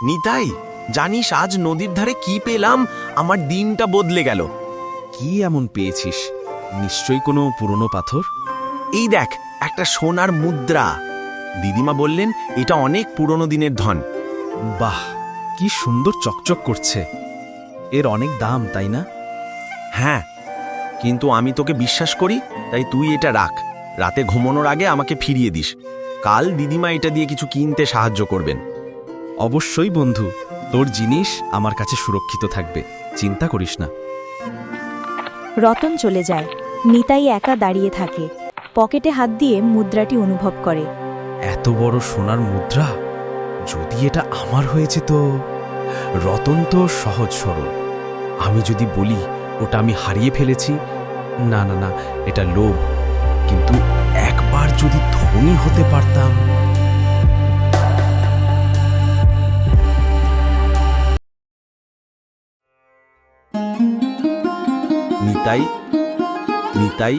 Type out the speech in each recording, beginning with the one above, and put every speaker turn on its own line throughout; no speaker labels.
নিতাই, জানিস আজ নদীর ধারে কি পেলাম? আমার দিনটা বদলে গেল।
কি এমন পেয়েছিস? নিশ্চয়ই কোনো পুরনো পাথর।
এই দেখ, একটা সোনার মুদ্রা। দিদিমা বললেন এটা অনেক পুরনো দিনের ধন।
বাহ, কি সুন্দর চকচক করছে। এর অনেক দাম, তাই না?
হ্যাঁ, কিন্তু আমি তোকে বিশ্বাস করি, তাই তুই এটা রাখ। রাতে ঘুমানোর আগে আমাকে ফিরিয়ে দিস। কাল দিদিমা এটা দিয়ে কিছু কিনতে সাহায্য করবেন।
অবশ্যই বন্ধু, তোর জিনিস আমার কাছে সুরক্ষিত থাকবে, চিন্তা করিস না।
রতন চলে যায়। নিতাই একা দাঁড়িয়ে থাকে, পকেটে হাত দিয়ে মুদ্রাটি অনুভব করে।
এত বড় সোনার মুদ্রা, যদি এটা আমার হয়েছে তো। রতন তো সহজ সরল। আমি যদি বলি ওটা আমি হারিয়ে ফেলেছি, না না না, এটা লোভ। কিন্তু একবার যদি ধনী হতে পারতাম।
নিতাই, নিতাই,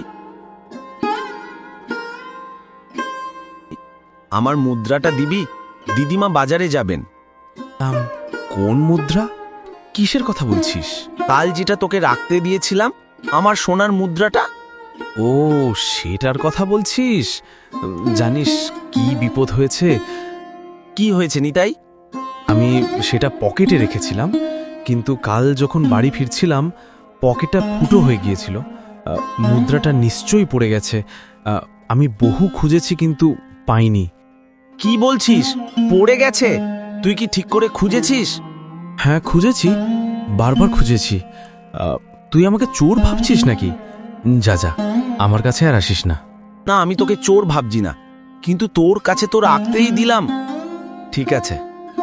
আমার মুদ্রাটা দিবি? দিদিমা বাজারে যাবেন।
কোন মুদ্রা? কিসের কথা বলছিস?
কাল যেটা তোকে রাখতে দিয়েছিলাম, আমার সোনার মুদ্রাটা।
ও, সেটার কথা বলছিস? জানিস কি বিপদ হয়েছে?
কি হয়েছে নিতাই?
আমি সেটা পকেটে রেখেছিলাম, কিন্তু কাল যখন বাড়ি ফিরছিলাম পকেটটা ফুটো হয়ে গিয়েছিল। মুদ্রাটা নিশ্চয়ই পড়ে গেছে। আমি বহু খুঁজেছি কিন্তু পাইনি।
কি বলছিস? পড়ে গেছে? তুই কি ঠিক করে খুঁজেছিস?
হ্যাঁ, খুঁজেছি, বারবার খুঁজেছি। তুই আমাকে চোর ভাবছিস নাকি? যা যা, আমার কাছে আর আসিস না।
না, আমি তোকে চোর ভাবছি না, কিন্তু তোর কাছে তো রাখতেই দিলাম। ঠিক আছে।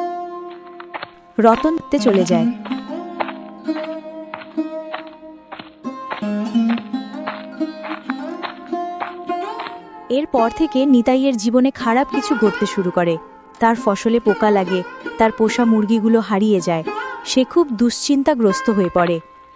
রতন চলে যায়। এরপর থেকে নিতাইয়ের জীবনে খারাপ কিছু ঘটতে শুরু করে। তার ফসলে পোকা লাগে, তার পোষা মুরগিগুলো হারিয়ে যায়। সে খুব দুশ্চিন্তাগ্রস্ত হয়ে পড়ে।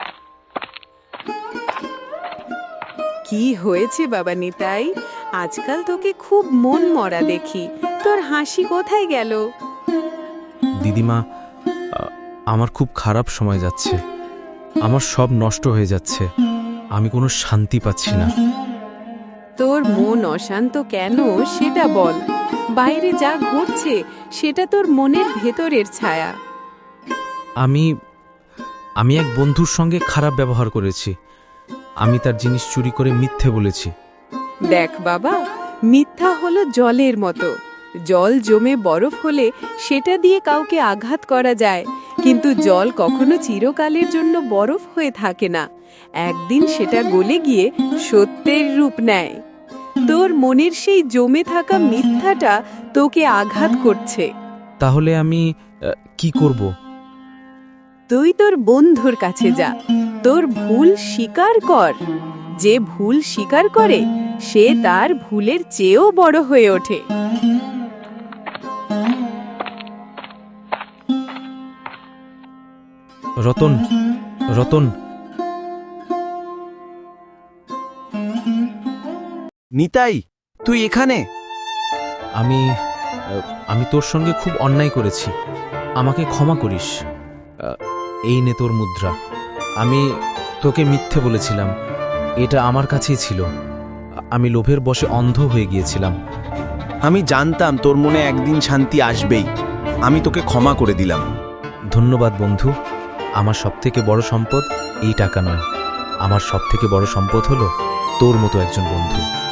কি হয়েছে বাবা নিতাই? আজকাল তোকে খুব মন মরা দেখি। তোর হাসি কোথায় গেল?
দিদিমা, আমার খুব খারাপ সময় যাচ্ছে। আমার সব নষ্ট হয়ে যাচ্ছে। আমি কোনো শান্তি পাচ্ছি না।
তোর মন অশান্ত কেন সেটা বল। বাইরে যা ঘটছে সেটা তোর মনের ভেতরের ছায়া।
আমি এক বন্ধুর সঙ্গে খারাপ ব্যবহার করেছি। আমি তার জিনিস চুরি করে মিথ্যে বলেছি।
দেখ বাবা, মিথ্যা হলো জলের মতো। জল জমে বরফ হলে সেটা দিয়ে কাউকে আঘাত করা যায়, কিন্তু জল কখনো চিরকালের জন্য বরফ হয়ে থাকে না। একদিন সেটা গলে গিয়ে সত্যের রূপ নেয়। তোর মনের সেই জমে থাকা মিথ্যাটা তোকে আঘাত করছে।
তাহলে আমি কি করব?
তুই তোর বন্ধুর কাছে যা, তোর ভুল স্বীকার কর। যে ভুল স্বীকার করে সে তার ভুলের চেয়েও বড় হয়ে ওঠে।
রতন, রতন,
নিতাই, তুই এখানে?
আমি তোর সঙ্গে খুব অন্যায় করেছি। আমাকে ক্ষমা করিস। এই নে তোর মুদ্রা। আমি তোকে মিথ্যে বলেছিলাম। এটা আমার কাছেই ছিল। আমি লোভের বশে অন্ধ হয়ে গিয়েছিলাম।
আমি জানতাম তোর মনে একদিন শান্তি আসবেই। আমি তোকে ক্ষমা করে দিলাম।
ধন্যবাদ বন্ধু। আমার সবথেকে বড় সম্পদ এই টাকা নয়। আমার সবথেকে বড় সম্পদ হলো তোর মতো একজন বন্ধু।